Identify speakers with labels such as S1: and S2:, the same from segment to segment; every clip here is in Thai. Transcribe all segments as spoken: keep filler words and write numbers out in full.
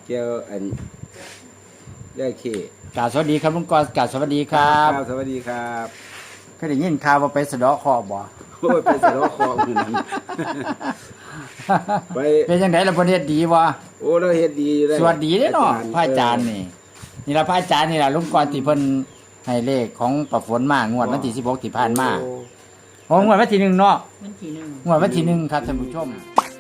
S1: เกี่ยวอันเรื่องขี้
S2: กล่าวสวัสดีครับลุงกรกล่าวสวัสดีครับ
S1: สวัสดีครับ
S2: เคยได้ยินข่าวว่าไปสะเดาะเคราะห์บ่
S1: โอ้ยไปสะดอกคออยู่นั่น ไป
S2: เป็นจังไดล่ะประเทศดีบ่
S1: โอ้เราเฮ็ดดีเลย
S2: สวัสดีเด้อเนาะพระอาจารย์นี่นี่ล่ะพระอาจารย์นี่ล่ะลุงกรที่เพิ่นให้เลขของประฝนมางวดวันที่สิบหกที่ผ่านมาโอ้งวดวันที่หนึ่งเนาะ
S3: วันที่หนึ่ง
S2: งวดวันที่หนึ่งครับท่านผู้ชม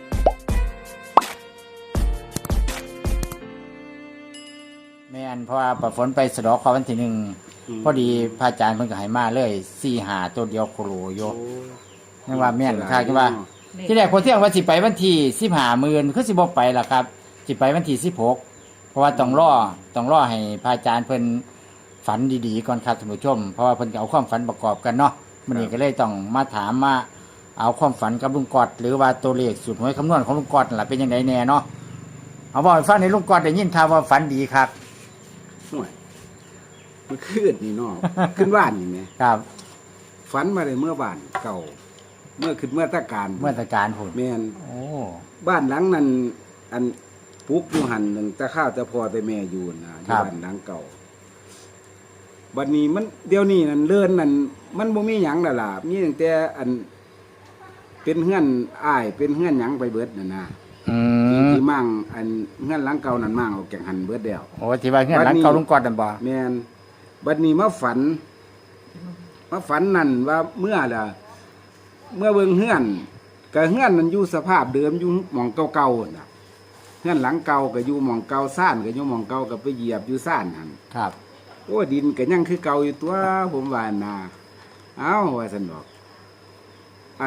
S2: แม่นเพราะว่าประฝนไปสะเดาะเคราะห์วันที่หนึ่งพอดีพระอาจารย์เพิ่นก็ให้มาเลยสี่หาตัวเดียวโคโลโยนั่นว่าแม่นค่ะคือว่า ที่แรกคนเที่ยงว่าสิไปวันที่สิบห้าหมื่นคือสิบ่ไปล่ะครับสิไปวันที่สิบหกเพราะว่าต้องรอต้องรอให้พระอาจารย์เพิ่นฝันดีๆก่อนครับท่านผู้ชมเพราะว่าเพิ่นก็เอาความฝันประกอบกันเนาะมื้อนี้ก็เลยต้องมาถามมาเอาความฝันกับลุงกอดหรือว่าตัวเลขสูตรหวยคำนวณของลุงกอดนั่นล่ะเป็นจังไดแน่เนาะเอาบอกให้ฟังในลุงกอดได้ยินข่าวว่าฝันดีครับ
S1: ห่วยมันขึ้นนี่เนาะ ขึ้นบ้านนี่แหม
S2: ครับ
S1: ฝันมาได้เมื่อบ้านเก่า เมื่อขึ้นเมื่อตะการ
S2: เมื่อตะการพุ่น
S1: แม่น
S2: โอ้
S1: บ้านหลังนั้นอันปลูกอยู่หันนึงแต่ข้าวแต่พ่อแต่แม่อยู่นะอยู่บ้านหลังเก่าบัดนี้มันเดี๋ยวนี้นั่นเลื่อนนั่นมันบ่มีหยังแล้วล่ะมีตั้งแต่อัน เป็นเฮือนอ้ายเป็นเฮือนหยังไปเบิดนั่นนะ
S2: อื
S1: ที่
S2: ม
S1: ที่มั่งอันเฮือนหลังเก่านั่นมั่งออกจากหันเบิดแล้ว
S2: โอ้ที่ว่าเฮือนหลังเก่าลุงกอดนั่นบ่
S1: แม่นบัดนี้มาฝันมาฝันนั่นว่าเมื่อล่ะเมื่อเบิ่งเฮือนก็เฮือนมันอยู่สภาพเดิมอยู่หม่องเก่าๆน่ะเฮือนหลังเก่าก็อยู่หม่องเก่าซ่านก็อยู่หม่องเก่าก็ไปเหยียบอยู่ซ่านหั่น
S2: ครับ
S1: โอ้ดินก็ยังคือเก่าอยู่ตัวผมว่าน่ะเอ้าว่าซั่นดอกไอ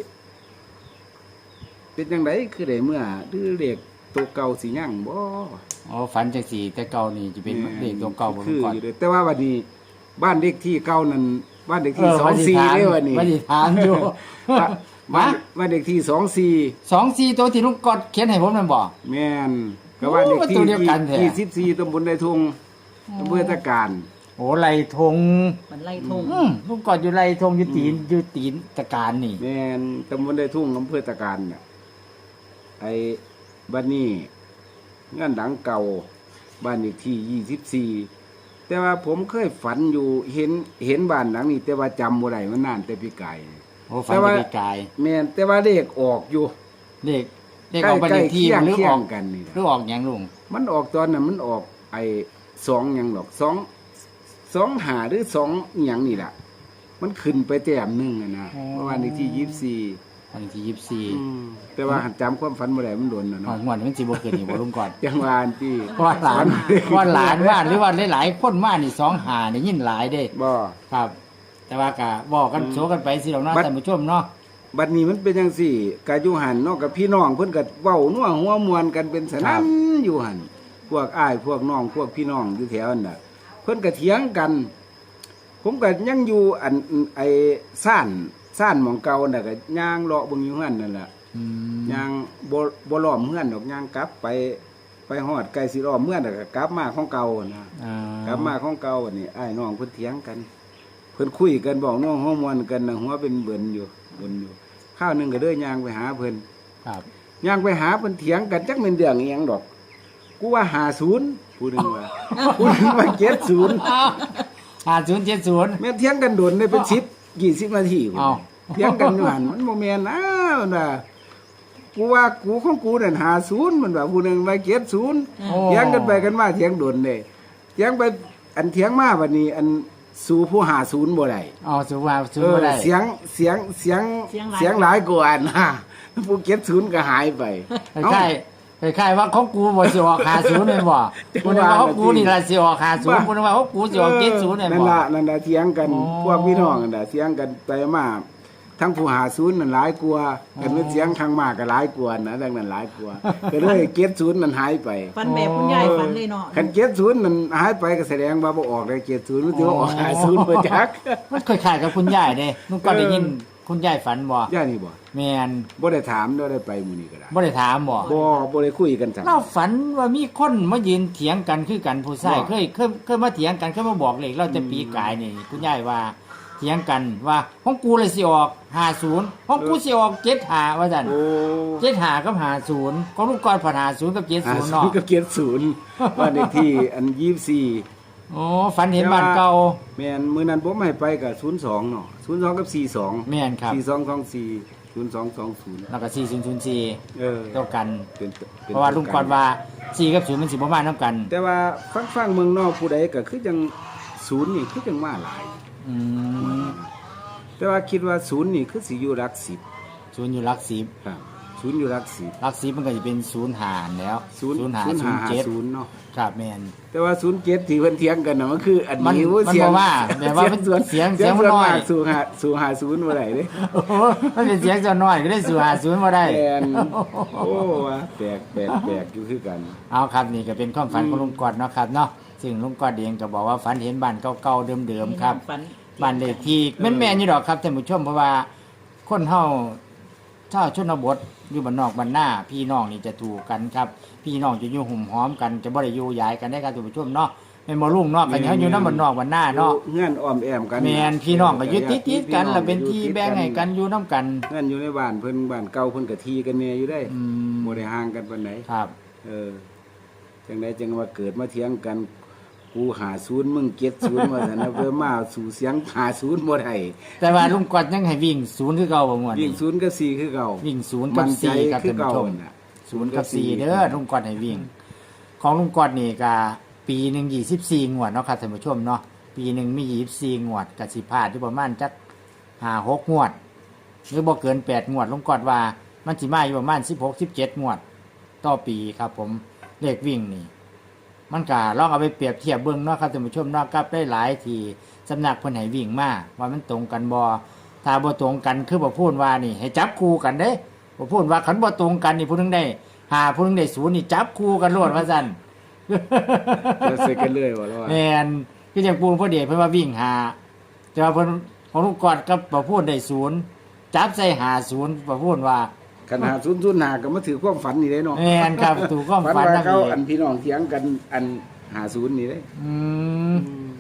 S1: เป็นจังไดคือได้เมื่อดื้อเลขตัวเก่าสิยังบ่
S2: อ๋อฝันจังสี่แต่เก่านี่จะเป็นเลขตัวเก่าบ่ลุ
S1: คื
S2: ง
S1: อก
S2: อด
S1: อยู่เด้อแต่ว่าวันนี้บ้านเลขที่เก่านั้นบ้านเลขที่
S2: เออ
S1: สองสี่เด้อวันนี้
S2: ไม่ได้ถามอยู่
S1: บ้านบ้านบ้านเลขที่สองสี่
S2: สองสี่ตัวที่ลุงกอดเขียนให้ผมนั่นบอก
S1: แม่นก็บ้านเลขที่
S2: โอ้ตัวเดียวกันแท้
S1: ยี่สิบสี่ตำบลไดทงอำเภอตะการ
S2: โอ้ไรทง
S3: มันไล่ทง
S2: อืมลุงกอดอยู่ไรทงอยู่ตีนอยู่ตีนตะการนี่
S1: แม่นตำบลไดทุ่งอำเภอตะการน่ะไอ้บ้านนี้งานหลังเก่าบ้านเลขที่ยี่สิบสี่แต่ว่าผมเคยฝันอยู่เห็นเห็นบ้านหลังนี้แต่ว่าจำบ่ได้มันนานแต่พี่ไก่
S2: โอ้ฝันไปไกล
S1: แม่นแต่ว่าเลขออกอยู่
S2: เลขเลขออกบันเลขที่
S1: ใกล้
S2: มันหรือ
S1: เคีย
S2: อง อก
S1: กันนี่
S2: หรือ
S1: ล่ะ
S2: ออกหยังลุง
S1: มันออกตอนนั้นมันออกไอ้สองหยังหรอกสองสองหาหรือสองอหยังนี่แหละมันขึ้นไปแต้มหนึงอะนะเมื่อวานในที่ยี่สิบสี่
S2: วันที่ยี่สิบสี่
S1: แต่ว่าหันจำความฝันบ่ได้มันโดนนะ
S2: หอ
S1: เนาะ
S2: ดงวดมันสิบ่ขึ้นนี่บ่ลุงกอด
S1: ยังวาอันที่
S2: ว่าหลานว่าหลานว่าหรือว่าหลายๆคนมานี่สองหานี่ยินหลายเด้
S1: บ่
S2: ครับ แต่ว่าก็บอกกันโซกันไปสิดอกเนาะท่านผู้ชมเนาะ
S1: บัดนี้มันเป็นจังซี่กะอยู่หันเนาะกับพี่น้องเพิ่นก็เว้านัวหัวมวนกันเป็นสนั่นอยู่หันพวกอ้ายพวกน้องพวกพี่น้องอยู่แถวนั้นน่ะ เพิ่นก็เถียงกัน ผมก็ยังอยู่อันไอ้ซ่านซ่านหม่องเก่าน่ะก็ย่างเลาะเบิ่งอยู่หั่นนั่นล่ะ
S2: อืม
S1: ย่างบ่บ่ล้อมเฮือนดอกย่างกลับไปไปฮอดใกล้สิล้อมเฮือนน่ะก็กลับมาของเก่านะ
S2: อ่าก
S1: ลับมาของเก่าอันนี้อ้ายน้องเพิ่นเถียงกัน เพิ่นคุยกันบอกน้องหัวมวนกันน่ะหัวเป็นเบิ่นอยู่เบิ่นอยู่ข้าวหนึงก็เด้ย่างไปหาเพิ่น
S2: ครับ
S1: ย่างไปหาเพิ่นเถียงกันจักแม่นเรื่องอีหยังดอก กูว่าห้าสิบผู้หนึงว่า ผู้หนึงว่าเจ็ดสิบ
S2: ห้าศูนย์เจ็ดศูนย์
S1: แม่เถียงกันโดนได้เป็นสิบ ยี่สิบนาทีพุ่น
S2: อ้าว
S1: เถียงกันอยู่หั่นมันบ่แม่นนะมันว่ากูว่ากูของกูนั่นห้าสิบมันว่าผู้หนึงว่าเจ็ดสิบ
S2: โอ้
S1: เถียงกันไปกันมาเถียงโดนเด้เถียงไปอันเถียงมาบัดนี้อันสู่ผู้ห้าสิบบ่ได้
S2: อ๋อสูว่าสู
S1: เออ
S2: บ่ได้
S1: เสียงเสียงเสียงเสียงหลายกว่านะผู้เก็บศูนย์ก็หายไป
S2: คล้ายๆคล้ายๆว่าของกูบ่สิออกห้าศูนย์แม่นบ่กูนึกว่าของกูนี่ล่ะสิออกห้าศูนย์กูนึกว่าของกูสิออกเจ็ดศูนย์แม่น
S1: นั่น
S2: บ่
S1: ล่ะนั่นล่ะเถียงกัน
S2: อ๋อ
S1: พวกพี่น้องนั่นล่ะเถียงกันไปมาทั้งผู้หาศูนย์นั่นหลายกว่ากันเป็นเสียงข้างมากก็หลายกว่านะดังนั้นหลายกว่าก็เลยเก็บศูนย์นั่นหายไป
S3: ฟันแบบคุณยายฟันเลยเนาะ
S1: คันเก็บศูนย์นั่นหายไปก็แสดงว่าบ่ออกได้เก็บศูนย์มันสิว่าออกห้าศูนย์บ่จัก
S2: มันคล้ายๆกับคุณยายเด้ลุงก็ได้ยินคุณยายฝันบ่
S1: ย่านี่บ่
S2: แม่น
S1: บ่ได้ถามบ่ได้ไปมื้อนี้ก็ได้
S2: บ่ได้ถามบ่
S1: บ่บ่ได้คุยกันจัง
S2: เราฝันว่ามีคนมายืนเถียงกันคือกันผู้ชาย
S1: บ่
S2: เคยเคยเคยมาเถียงกันเคยมาบอกเลขเราจะปีกายนี่คุณยายว่า ทถียงกันว่าของกูเลยสิออกห้าศูนย์ของกูสิออกเจ็ดห้าว่าซั่น
S1: โอ้
S2: เจ็ดห้ากับห้าศูนย์ของลุงกรผ่านห้าศูนย์กับเจ็ด
S1: หา
S2: ศูนย์
S1: ศู
S2: เนาะ
S1: นย์กับเกียรติศูนย์บ้านเลขที่อันยี่สิบสี่
S2: โอ้ฝันเห็นบ้านเก่า
S1: แม่นมื้อนั้นผมให้ไปก็ศูนย์สองเนาะศูนย์สองกับสี่สอง
S2: แม่นครับ
S1: สี่สองสองสี่ศูนย์สองสองศูนย์
S2: แล้วก็สี่ศูนย์ศูนย์สี่
S1: เออ
S2: เท่ากัน
S1: เป็นป็น
S2: เพราะว่าลุงกรว่าสี่กับศูนย์มันสิบ่มานํกัน
S1: แต่ว่าฟังฟังเมืองนอกผู้ใดก็คือจังศูนย์นี่คือจังมาหลาย
S2: อืม
S1: แต่ว่าคิดว่าศูนย์นี่คือสิอยู่หลักสิบ
S2: ศูนย์อยู่หลักสิบ
S1: ครับศูนย์อยู่หลักสิบ
S2: หลักสิบมันก็จะเป็นศูนย์หารแล้ว
S1: ศูนย์
S2: ศูนย์หาร
S1: ศูนย์
S2: ศู
S1: หาน
S2: ย์เจ็ด
S1: ศูนย์เนาะ
S2: ครับแม่น
S1: แต่ว่าศูนย์เจ็ดที่เพิ่นเถียงกันน่ะมันคืออัน
S2: มัน
S1: นี้โอ้
S2: มัน
S1: เสียง
S2: บ่ว่าแต่ว่ามัน
S1: ส่วน
S2: เสียง
S1: เสียง
S2: เสียงมันน้อย
S1: ส่วมากสู่หาสู่หาศูนย์บ่ได้เด้
S2: โอ้โหมันเป็นเสียงเจ้าน้อยก็ได้สู่หาศูนย์บ่ได้
S1: แม่นโอ้ว่าแปลกแปลกแปลกอยู่คือกัน
S2: เอาครับนี่ก็เป็นความฝันของลุงกอดเนาะครับเนาะซึ่งลุงกอดเองก็บอกว่าฝันเห็นบ้านเก่าๆเดิมๆครับ
S3: ฝัน
S2: บ้านเลขที่แม่นๆอยู่ดอกครับท่านผู้ชมเพราะว่าคนเฮาชาวชนบทอยู่บ้านนอกบ้านหน้าพี่น้องนี่จะถูกกันครับพี่น้องจะอยู่หุ่มหอมกันจะบ่ได้อยู่ย้ายกันได้ครับท่านผู้ชมเนาะแม่นบ่ลุงเนาะกันเฮาอยู่นำบ้านนอกบ้านหน้าเนาะ
S1: เงื่อนอ้อมแอมกัน
S2: แม่นพี่น้องก็อยู่ติดๆกันแล้วเป็นที่แบ่งให้กันอยู่นํกัน
S1: เงื่อนอยู่ในบ้านเพิ่นบ้านเก่าเพิ่นก็ทีกันแน่อยู่ได้
S2: อืม
S1: บ่ได้ห่างกันปานใด
S2: ครับ
S1: เออจังไดจังว่าเกิดมาเถียงกันกูหาศูนย์มึงเก็ดศูนย์ว่าซั่นนะเพิ่นมาสู่เสียงหาศูนย์บ่ได้
S2: แต่ว่าลุงกอดยังให้วิ่งศูนย์คือเก่าบ่ม่วน
S1: วิ่
S2: นี่
S1: งศูนย์กับสี่คือเก่า
S2: วิ่งศูนย์กับ
S1: มั่นใจ
S2: สี่ครับ
S1: คือ
S2: ท่าน
S1: เก่า
S2: ผู้ชม
S1: น่ะ
S2: ศูนย์กับสี่เด้อลุงกอดให้วิ่ง ของลุงกอดนี่ก็ปีหนึ่งยี่สิบสี่งวดเนาะครับท่านผู้ชมเนาะปีหนึ่งมียี่สิบสี่งวดกับสิพลาดที่ประมาณจักห้าหกงวด หรือบ่เกินแปดงวดลุงกอดว่ามันสิมาอยู่ประมาณสิบหกสิบเจ็ดงวด ต่อปีครับผมเลขวิ่งนี่ มันก็ลองเอาไปเปรียบเทียบเบิ่งเนาะครับท่านผู้ชมเนาะกับได้หลายที่สำนักเพิ่นให้วิ่งมาว่ามันตรงกันบ่ถ้าบ่ตรงกันคือบ่พูดว่านี่ ให้จับคู่กันเด้บ่พูดว่าคันบ่ตรงกันนี่ผู้หนึงได้ห้าผู้หนึงได้ศูนย์นี่จับคู่กันโลดว่าซั่น
S1: แล้วใส่กันเลยว่าแล้วว่า
S2: แม่นคือจังปูนพ่อเดชเพิ่นว่าวิ่งหาแต่ว่าเพิ่นของลูกกอดกับบ่พูดได้ศูนย์จับใส่หาศูนย์บ่พูดว่า
S1: คันหาศูนย์ศูนย์หาก็มาถือความฝันนี่เด้เนาะ
S2: แม่นครับถูกความ
S1: ฝัน
S2: ฝัน
S1: ว่า
S2: นั่น
S1: เขา
S2: เอ
S1: อั
S2: ง
S1: นพี่น้องเถียงกันอันหาศูนย์นี่เด้
S2: อืม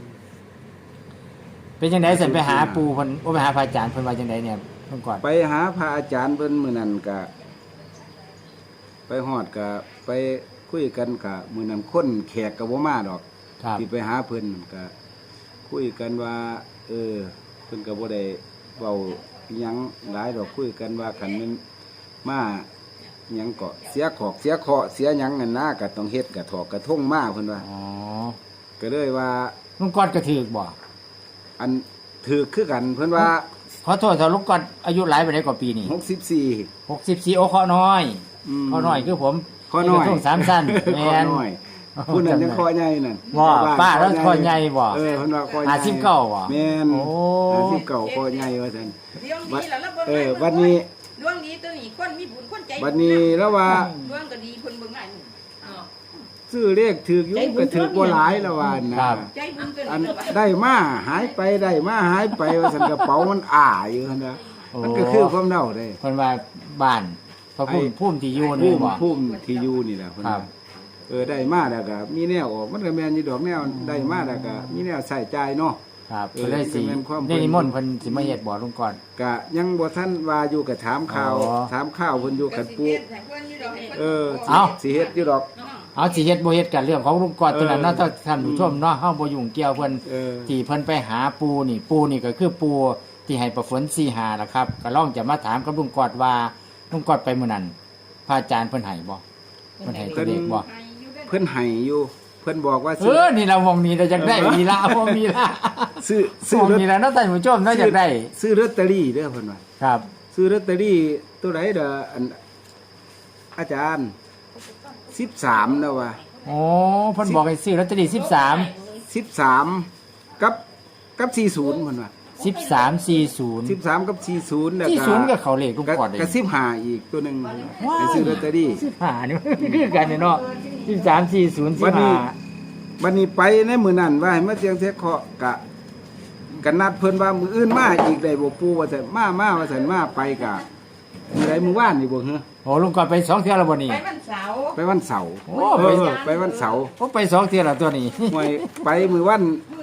S2: เป็นจังได๋สิไปหาปู่เพิ่นโอ้ไปหาพระอาจารย์เพิ่นว่าจังไดเนี่ยเพิ่นก่อน
S1: ไปหาพระอาจารย์เพิ่นมื้อนั้นก็ไปฮอดก็ไปคุยกันก็มื้อนั้นคนแขกก็บ่มาดอก
S2: ครับ
S1: ที่ไปหาเพิ่นก็คุยกันว่า เออเพิ่นก็บ่ได้เว้าอิหยังหลายดอกคุยกันว่าคันแมันมาหยังก็เสียขอกเสียเคราะห์เสียหยังนั่นนะก็ต้องเฮ็ดก็ถอกกระทงมาเพิ่นว่า
S2: อ๋อ
S1: ก็เลยว่า
S2: ลุงกอดก็ถูกบ่
S1: อันถือคือกันเพิ่นว่า
S2: ขอโทษถ้าลุงกอดอายุหลายปานใดกว่าปีนี่
S1: หกสิบสี่
S2: หกสิบสี่โอ้ขอน้อย
S1: ม
S2: ขอน้อยคือผม
S1: ข้อน้อย
S2: กระทงสามสั้นแม่
S1: ข้อน น้อยผู้นั้นยังข้อใหญ่นั่น
S2: ว่าป้าแล้วข้อใหญ่บ่
S1: เออเพิ่นว่าข้อใหญ่
S2: ห้าสิบเก้าบ่
S1: แม่น
S2: โอ้
S1: ห้าสิบเก้าข้อใหญ่ว่าซั่น
S4: ดวงดีแล้วแล้วเบิ่ง
S1: เออวันนี้
S4: ดวงดีตัวนี้คนมีบุญคนใจบุญ
S1: วันนี้แล้วว่า
S4: ดวงก็ดีเพิ่นเบิ่งหน้านี่อ้าว
S1: ซื้อเลขถือกอยู่ก็ถือกบ่หลายแล้วว่านะครับ
S4: ใจบุญตัว
S1: อัน
S4: นี้แล้วว่า
S1: ได้มาหายไปได้มาหายไปว่าซั่นกระเป๋ามันอ้าอยู่หั่นนะมันก็คือความเดาได้
S2: เพิ่นว่าบ้านพระพุ่ม
S1: ไอ้
S2: พุ่มที่อยู่
S1: ภู
S2: นี่
S1: มิ
S2: บ่
S1: ภูมิที่อยู่นี่แหละเพิ่น
S2: ครั
S1: ว่า
S2: บ
S1: เออได้มาแล้วก็มีแนวออกมันก็แม่นอยู่ดอกแนวได้มาแล้วก็มีแนวใส่ใจายเนาะ
S2: ครับ
S1: เออ
S2: เพิ่นเลยสิ
S1: เป็นความ
S2: ได้นิมนต์เพิ่นสิมาเฮ็ดบ่ลุงก่อน
S1: ก็ยังบ่ทันว่าอยู่ก็ถามข่าว
S2: อ๋อ
S1: ถามข่าวเพิ่นอยู่กันปู
S4: เฮ็ดให้เพิ่นอยู่ดอกให้เพิ่น
S1: เออ
S2: เอ้า
S1: สิเฮ็ดอยู่ดอก
S4: เนาะ
S2: เอาสิเฮ็ดบ่เฮ็ดกันเรื่องของลุงก่อนตัวนั้นเนาะ
S1: เออ
S2: ท่านผู้ชมเนาะเฮาบ่ยุ่งเกี่ยวเพิ่น
S1: เออ
S2: ที่เพิ่นไปหาปูนี่ปูนี่ก็คือปูที่ให้ประฝนสี่หาล่ะครับก็ลองจะมาถามกับลุงกอดว่าลุงกอดไปมื้อนั้นพระอาจารย์เพิ่นให้บ่เพิ่นให้ตัวเลขบ่
S4: ให้อยู่ด้อ
S1: เพิ่นให้อยู่เพิ่นบอกว่า
S2: เอ
S1: ซื้อ
S2: อนี่เรามองนี้เราจักได้มีละบ่มีละ
S1: ซื้อ
S2: ซื้
S1: ซื้
S2: อ
S1: อลอต
S2: นี่ละเนาะท่านผู้ชมเนาะจักได้
S1: ซื้อลอตเตอรี่เด้อเพิ่นว่า
S2: ครับ
S1: ซื้อลอตเตอรี่ตัวไหนเด้ออันอาจารย์สิบสามนะว่า
S2: โอ้เพิ่นบอกให้ซื้อลอตเตอรี่สิบสาม
S1: สิบสามกับกับสี่ศูนย์เพิ่นว่า
S2: สิบสามสี่ศูนย์
S1: สิบสามกับสี่ศูนย์แล้ว
S2: สี่
S1: ก็
S2: ศูนย์ก็เขาเลขลุง
S1: ก็
S2: กอดเลย
S1: ก็สิบห้าอีกตัวหนึงให้ซื้อลอตเตอรี่
S2: สิบห้านี่มันคือกันเนี่ยเนาะสิบสามสี่ศูนย์สิ
S1: วั
S2: บ
S1: นนี้
S2: ห้า
S1: วันนี้ไปในมื้อนั้นว่าให้มาเสียงเทคเคาะกะกันนัดเพิ่นว่ามื้ออื่นมาอีกได้บ่ปู่ว่าซั่นมามาว่าซั่นมาไปกะมื้อใดมื้อวานนี่บ่เหรอ
S2: โอ้ลุงกอดไปสองเที่ยวแล้วบ่นี่
S4: ไปวันเสาร์
S1: ไปวันเสาร์
S2: โอ้
S1: เอ
S2: ไป
S1: อไปวันเสาร์
S2: โอ้ไปสองเที่ยวแล้วตัวนี้
S1: ห่วยไปมื้อวัน
S4: มื้อนั้นไป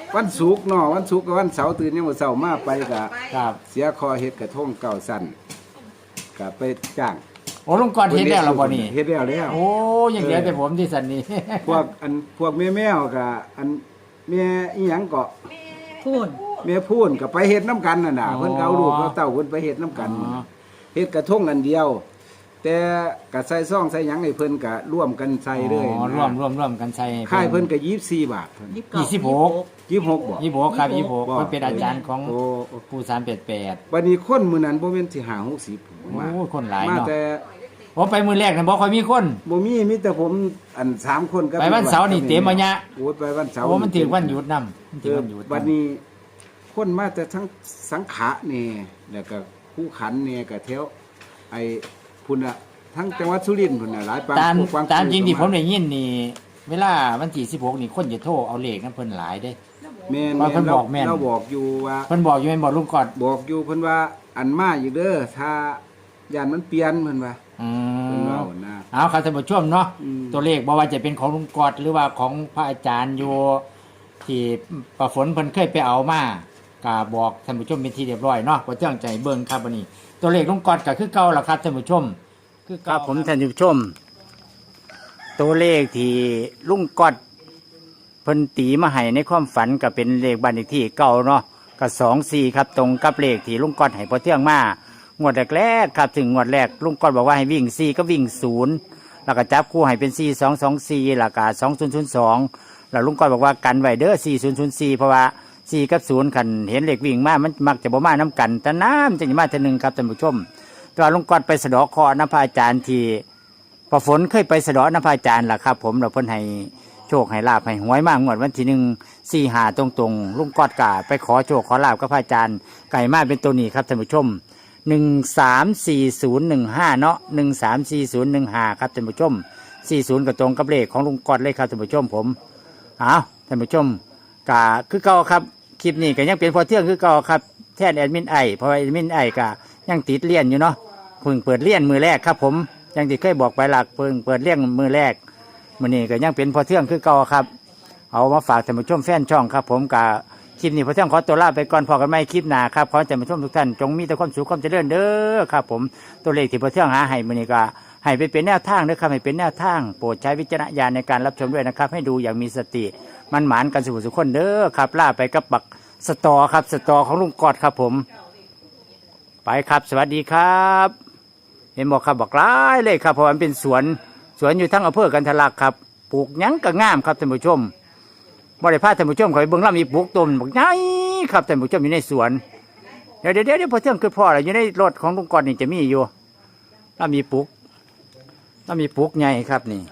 S1: วันศุกร์เนาะวันศุกร์กับวันเสาร์ตื่นยังมื้อเช้ามาไปก็
S2: ครับ
S1: เสียคอเฮ็ดกระทงเก่าสั้นก็ไปจ้าง
S2: โอ้ลุงกอดเฮ็ดแล้วเหรอบ่นี่
S1: เฮ็ดแล้วแล้ว
S2: โอ้ยังเหลือแต่ผมที่สันนี่
S1: พวกอันพวกแม่แมวก็อันแม่อีหยังก็
S3: พูน
S1: แม่พูนก็ไปเฮ็ดน้ำกันน่ะน่ะ
S2: อ๋อ
S1: เพิ่นก็เอาลูกเอาเต้าเพิ่นไปเฮ็ดน้ำกัน
S2: อ๋อ
S1: เฮ็ดกระทงอันเดียว แต่ก็ใส่ซองใส่หยังให้เพิ่นก็ร่วมกันใส่เลย
S2: อ๋อ
S1: นะ
S2: ร่วมร่วมร่วมกันใส่
S1: ค่ายเพิ่นก็ยี่สิบสี่บาทเพิ่น
S3: ยี่สิบเก้า
S2: ยี่สิบหก
S1: ยี่สิบหกบ่
S2: ยี่สิบหกครับยี่สิบหก
S1: บ่
S2: เพิ่นเป็นอาจารย์ของ
S1: โอ้โอ้
S2: ครูสามแปดแปด
S1: บัดนี้คนมื้อนั้นบ่แม่นสิห้าหกสิบผมว่า
S2: โอ้คนหลาย
S1: มา
S2: เนาะ
S1: แต่
S2: ผมไปมือแรกน่ะบ่ค่อยมีคน
S1: บ่มีมีแต่ผมอันสามคนกับ
S2: ไปวันเสาร์นี่เต็มอะยะ
S1: โอ้ยไปวันเสาร์
S2: โอ้มันถึงวันหยุดนำมัน
S1: เอ
S2: ถึง
S1: อ
S2: วันหยุด
S1: บัดนี้คนมาแต่ทั้งสังขะนี่แล้วก็ผู้ขันนี่ก็แถวไอ้พุ่นน่ะทั้งจังหวัดสุรินทร์พุ่นน่ะหลายปาง
S2: ตาม
S1: พวกป
S2: ตามจริงที่ผม
S1: ก็า
S2: ได้ยินนี่ เวลาวันที่สิบหกนี่คนจะโทรเอาเลขนั้นเพิ่นหลายเด้
S1: แม่น
S2: ว่าเพิ่นบอกแม่น
S1: เราบอกอยู่ว่า
S2: เพิ่นบอกอยู่แม่นบ่ลุงกอด
S1: บอกอยู่เพิ่นว่าอันมาอยู่เด้อถ้าย่านมันเปลี่ยนเพิ่นว่า
S2: อื
S1: เพิ่น
S2: ม
S1: เว้านะ
S2: เอาครับท่านผู้ชมเนาะ
S1: อืม
S2: ตัวเลขบ่ว่าจะเป็นของลุงกอดหรือว่าของพระอาจารย์อยู่ที่ประฝนเพิ่นเคยไปเอามาก็บอกท่านผู้ชมเป็นที่เรียบร้อยเนาะบ่เจ้งใจเบิ่งครับวันนี้ ตัวเลขลุงกอดก็คือเก่าล่ะครับท่านผู้ชม คือครับผมท่านผู้ชม ตัวเลขที่ลุงกอดเพิ่นตีมาให้ในความฝันก็เป็นเลขบ้านเลขที่เก่าเนาะก็สองสี่ครับตรงกับเลขที่ลุงกอดให้พอเที่ยงมางวดแรกๆครับถึงงวดแรกลุงกอดบอกว่าให้วิ่งสี่ก็วิ่งศูนย์แล้วก็จับคู่ให้เป็นสี่สองสองสี่แล้วก็สองศูนย์ศูนย์สองแล้วลุงกอดบอกว่ากันไว้เด้อสี่ศูนย์ศูนย์สี่เพราะว่าสี่กับศูนย์ขันเห็นเลขวิ่งมามันมักจะบ่มาน้ำกันแต่น้ำจะมาเท่านึงครับท่านผู้ชมตัวลุงกอดไปสะเดาะเคอน้ำพระอาจารย์ที่พอฝนเคยไปสะเดาะน้ำพระอาจารย์ล่ะครับผมเราเพิ่นให้โชคให้ลาภให้หวยมากงวดวันที่หนึ่งสี่หาตรงๆลุงกอดกะไปขอโชคขอลาภกับพระอาจารย์ไก่มาเป็นตัวนี้ครับท่านผู้ชมหนึ่งสามสี่ศูนย์หนึ่งห้าเนาะหนึ่งสามสี่ศูนย์หนึ่งห้าครับท่านผู้ชมสี่ศูนย์ก็ตรงกับเลขของลุงกอดเลยครับท่านผู้ชมผมเอาท่านผู้ชมกะคือเก่าครับคลิปนี้ก็ยังเป็นพอเที่ยงคือเก่าครับแทนแอดมินไอเพราะว่าแอดมินไอกะยังติดเรียนอยู่เนาะเพิ่งเปิดเรียนมือแรกครับผมยังที่เคยบอกไปหลักเพิ่งเปิดเรียนมือแรกมื้อนี้ก็ยังเป็นพอเที่ยงคือเก่าครับเอามาฝากท่านผู้ชมแฟนช่องครับผมกะคลิปนี้พอเที่ยงขอตัวลาไปก่อนพอกันไม่คลิปหน้าครับขอให้ท่านผู้ชมทุกท่านจงมีแต่ความสุขความเจริญเด้อครับผมตัวเลขที่พอเที่ยงหาให้มื้อนี้ก็ให้ไปเป็นแนวทางเด้อครับให้เป็นแนวทางโปรดใช้วิจารณญาณในการรับชมด้วยนะครับให้ดูอย่างมีสติมันหมานกันสุขสุขคนเด้อครับลาไปกับบักสตอครับสตอของลุงกอดครับผมไปครับสวัสดีครับ เห็นบอกครับบอกร้ายเลยครับเพราะมันเป็นสวนสวนอยู่ทั้งอำเภอกันทะลักครับปลูกหยังก็งามครับท่านผู้ชมบริพาท่านผู้ชมเขาไปเบิ่งแล้วมีปลูกต้นบอกไงครับท่านผู้ชมอยู่ในสวนเดี๋ยวเดี๋ยวเดี๋ยวพอเที่ยงคือพ่ออะไรอยู่ในรถของลุงกอดนี่จะมีอยู่แล้วมีปลูกแล้วมีปลูกใหญ่ครับนี่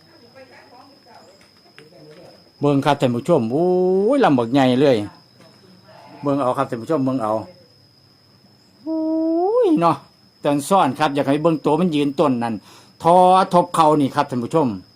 S2: เบิ่งครับท่านผู้ชมโอ้ยลำบักใหญ่เลยเบิ่งเอาครับท่านผู้ชมเบิ่งเอาโอ้ยเนาะตอนซ่อนครับอยากให้เบิ่งตัวมันยืนต้นนั่นทอทบเขานี่ครับท่านผู้ชม